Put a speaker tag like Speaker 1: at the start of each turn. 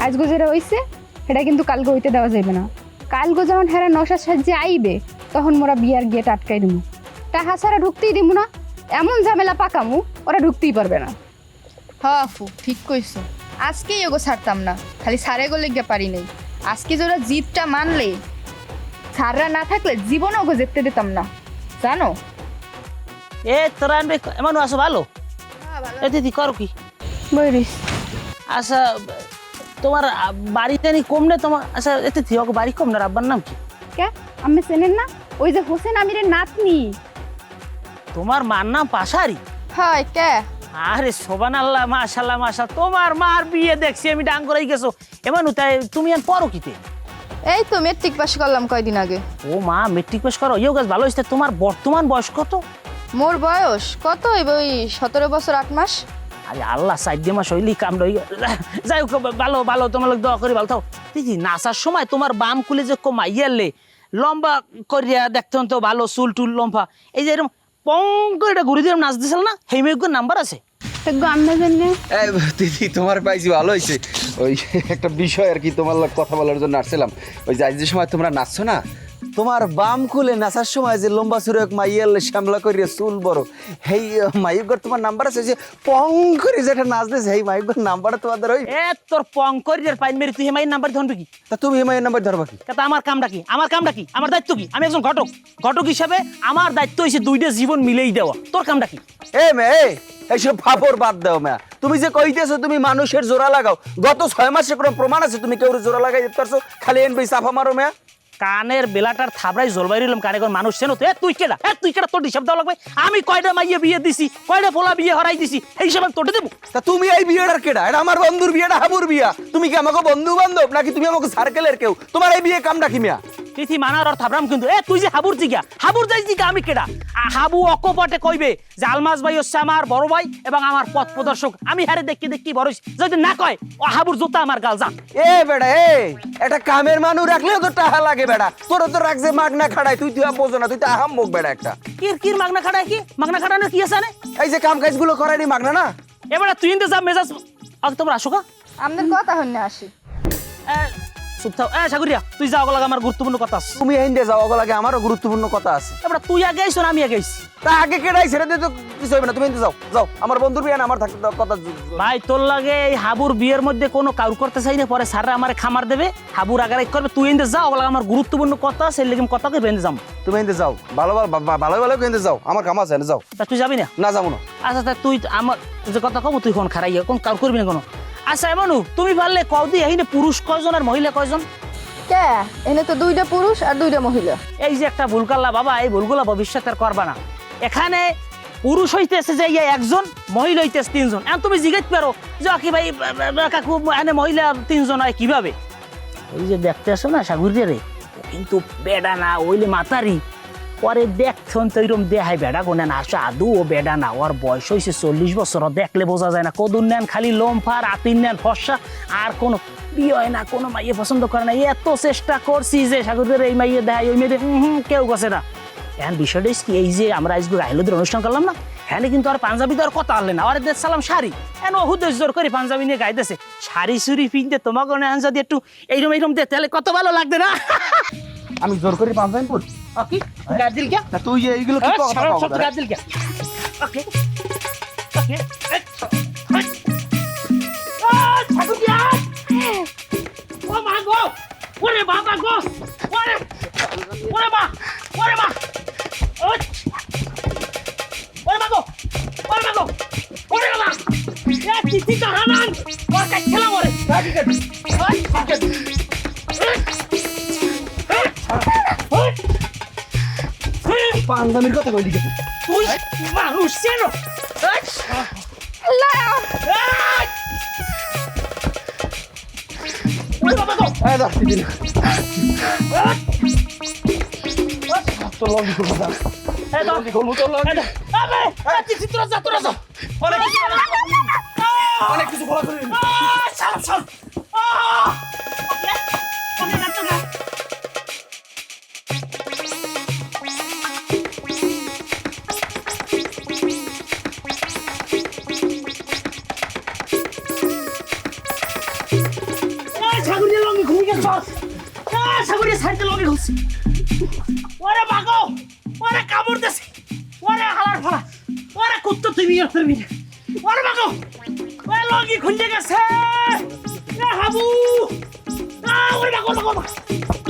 Speaker 1: আজগো যেটা হইছে সেটা কিন্তু কালকে হইতে দেওয়া যাবে না। কালকে যখন হেরা নশার সাহায্যে আইবে তখন মোরা বিয়ার গেট আটকাই দিমু, টাকা ছাড়া ঢুকতেই দিমু না। এমন ঝামেলা পাকামু ওরা ঢুকতেই পারবে না।
Speaker 2: হ্যাঁ আপু ঠিক কইছো, আজকেই ওগো ছাড়তাম না, খালি সারে গলে গিয়ে পারি নাই। আজকে যারা জিতটা মানলে সাররা না থাকলে জীবনে ওগো জিততে দিতাম না জানো।
Speaker 3: এ তোরা এমন আছো ভালো? এ দিদি করো কি?
Speaker 1: বইরিস
Speaker 3: আচ্ছা তোমার বাড়িতে নি কম না তোমার? আচ্ছা এতে থিওকে বাড়ি কম না, আব্বার নাম কি?
Speaker 1: কে আমি চেনেন না? ওই যে হোসেন আমিরের নাতনি।
Speaker 3: তোমার মার নাম পাশারি?
Speaker 2: হয় কে?
Speaker 3: আরে সোবানাল্লাহ মাশাআল্লাহ মাশাআল্লাহ, তোমার মার বিয়ে দেখছি আমি ডাং করাই গেছো। এমন তাই তুমি আর পড়ো কিতে?
Speaker 2: এই তো মেট্রিক পাস করলাম কয়দিন আগে।
Speaker 3: ও মা মেট্রিক পাস করো, ইও গাছ ভালো হয়েছে। তোমার বর্তমান বয়স কত?
Speaker 2: মোর বয়স কত হইব? ওই 17 বছর 8 মাস।
Speaker 3: আরে আল্লাহ 4 মাস হইলি কাম রই। যাই হোক ভালো ভালো, তোমার লোক দোয়া করি ভালো থাও। দিদি নাচার সময় তোমার বাম কুলে যে কমাইয়ালে লম্বা করিয়া দেখতে তো ভালো, চুল টুল লম্বা, এই যে এরকম পং করে এটা ঘুরে দিয়ে নাচ দিছিল না, সেই মেয়েগুলোর নাম্বার আছে?
Speaker 1: আমরা জানি
Speaker 4: দিদি তোমার পাইছি ভালো হয়েছে। ওই একটা বিষয় আর কি তোমার লগে কথা বলার জন্য আসছিলাম। ওই যে আজ যে সময় তোমরা নাচছো না, তোমার বাম কুলে নাচার সময় যে লম্বা সুরে এক মাইয়াল শ্যামলা করিয়া চুল বড়, সেই মাইকর তোমার নাম্বার আছে? যে পং করে যেটা নাচ দিয়েছে সেই মাইকর নাম্বারটা তোমাদের ওই?
Speaker 3: এ তোর পং করিয়ার পাইন মেরি তুই হেমাইয়ের নাম্বার ধরবি কি?
Speaker 4: তা তুমি এই মাইয়ের নাম্বার ধরবা কি?
Speaker 3: তা আমার কামটা কি? আমার কামটা কি? আমার দায়িত্ব কি? আমি একজন ঘটক, ঘটক হিসাবে আমার দায়িত্ব হয়েছে দুইটা জীবন মিলেই দেওয়া। তোর কামটা কি?
Speaker 4: এ মে এইসব ফাপর বাদ দাও মা। তুমি যে কইতেছো তুমি মানুষের জোড়া লাগাও, গত 6 মাসে কোনো প্রমাণ আছে তুমি কেউ জোড়া লাগাই দিতে পারছো? খালি এনবি চাফা মারো মা।
Speaker 3: কানের বেলাটার থাবড়াই জলবাই রইলাম কানে কোন মানুষ চেনো তো? তুই কেডা? তুই কেডা? তোর হিসাব দেওয়া লাগবে। আমি কয়টা মাইয়ে বিয়ে দিছি, কয়টা পোলা বিয়ে হরাই দিছি, এই হিসাব আমি তোটে দেবো?
Speaker 4: তা তুমি এই বিয়েটার কেডা? এটা আমার বন্ধুর বিয়েটা, হাবুর বিয়া। তুমি কি আমাকে বন্ধু বান্ধব নাকি তুমি আমাকে সার্কেলের কেউ? তোমার এই বিয়ে কামটা কি মিয়া?
Speaker 3: তিথি মানার আর থাবরাম কিন্তু। তুই যে হাবুর জিগা, হাবুর যাই জিগা আমি কেডা? হাবু অকপটে কইবে যে আলমাস ভাই হচ্ছে আমার বড় ভাই এবং আমার পথ প্রদর্শক। আমি হারে দেখি দেখি বড় হইছি। যদি না কয় ও হাবুর জুতা আমার গাল যা।
Speaker 4: এ বেড়া এটা কামের মানুষ রাখলেও তো টাকা লাগে বেড়া। তোর তো রাখছে মাগনা খাড়াই, তুই বোঝো না, তুই তো আহাম মুখ বেড়া একটা।
Speaker 3: কির মাগনা খাড়ায় কি? মাগনা খাড়ানোর কি আছে?
Speaker 4: এই যে কাম কাজগুলো করায়নি মাগনা না?
Speaker 3: এবারে তুই ইনতে যা মেজাজ। আগে তোমরা আসো কা?
Speaker 2: আমাদের কথা হন্যে আসি।
Speaker 3: চুপ থাও। সাগরিয়া তুই যাও, লাগে আমার গুরুত্বপূর্ণ কথা আছে।
Speaker 4: তুমি এই যাও, ওগুলো লাগে আমারও গুরুত্বপূর্ণ কথা আছে।
Speaker 3: এবারে তুই আগে আইছো না আমি আগে আইছি?
Speaker 4: তা আগে কেডাই ছেড়ে দিয়ে তো কিছু হবে না। তুমি যাও যাও, আমার বন্ধুর বিয়ে না, আমার থাকতে দাও কথা।
Speaker 3: ভাই তোর লাগে এই হাবুর বিয়ের মধ্যে কোনো কাউর করতে চাই না, পরে স্যাররা আমার খামার দেবে, হাবুর আগারাই করবে। তুই এনতে যাও, ওগুলো আমার গুরুত্বপূর্ণ কথা আছে, লেগে কথা কই বেঁধে যাম।
Speaker 4: তুমি এনতে যাও, ভালো ভালো ভালো কিন্তু যাও, আমার কাম আছে, যাও।
Speaker 3: তা তুই যাবি না?
Speaker 4: না যাবো না।
Speaker 3: আচ্ছা তা তুই আমার যে কথা কব তুই কোন খারাই কোন কাউর করবি না কোনো? আচ্ছা এমনু তুমি পারলে কও দি এইনে পুরুষ কয়জন আর মহিলা কয়জন?
Speaker 2: কে? এনে তো 2টা পুরুষ আর 2টা মহিলা।
Speaker 3: এই যে একটা ভুল করলা বাবা, এই ভুলগুলো ভবিষ্যতে আর করবা না। এখানে পুরুষ হইতেছে যে একজন, মহিলা হইতেছে 3 জন। এখন তুমি জিজ্ঞেস পারো যে কি ভাই কাকু এখানে মহিলা 3 জন হয় কিভাবে? ওই যে দেখতে আসো না সাগরিয়া রে, কিন্তু বেডা না, ওইলে মাতারি। পরে দেখছন তো এরকম দেখায় বেডা গোনে না, আসো আদৌ ও বেডা না। ওর বয়স হয়েছে 40 বছর, দেখলে বোঝা যায় না। কদুর নেন খালি লোমফার, আতির নেন ফর্সা, আর কোনো বিয়ে হয় না, কোনো মাইয়ে পছন্দ করে না। এত চেষ্টা করছি যে সাগরের এই মাইয়ে দেখায়, ওই মেয়েদের কেউ গেছে না। এখন বিষয়টা কি, এই যে আমরা আজকে রাইলদের অনুষ্ঠান করলাম না, হ্যাঁ কিন্তু আর পাঞ্জাবি তো আর কথা হলে না। আর দেশ সালাম শাড়ি, এখন হুদেশ জোর করে পাঞ্জাবি নিয়ে গাইতেছে। শাড়ি সুড়ি পিনতে তোমাকে যদি একটু এইরকম দে তাহলে কত ভালো লাগবে না?
Speaker 4: আমি জোর করে পাঞ্জাবি পড়ি?
Speaker 3: কি গাদিল কে?
Speaker 4: তা তুই যে এইগুলো কি কথা বলছিস?
Speaker 3: গাদিল কে? ওকে ওকে সাগরিয়া, ও মা গো, ওরে বাবা গো, ওরে ওরে মা, ওরে মা, ওরে মা গো, ওরে মা গো, ওরে মা, এ চিঠি তো হানান, ওর কাছে খেলা মরে।
Speaker 4: পাঞ্জাবির কথা কইলি কি
Speaker 3: তুই? মানুষ চেনো?
Speaker 4: এই দাও দিদি না। তো লঙ্গি করব না। লঙ্গি করব তো লঙ্গি। অনেক কিছু বলা করি।
Speaker 3: সাগরিয়া লঙ্গি খুলে গেছে সাগরিয়া সাইডে লঙ্গি খুলছে ওরে বাগো ওরে কামড় দেছে ওরে হালার ফালা ওরে কুত্তা তুমি ওরে বাগো ওরে লঙ্গি খুলে গেছে এ হাবু ওরে বাগো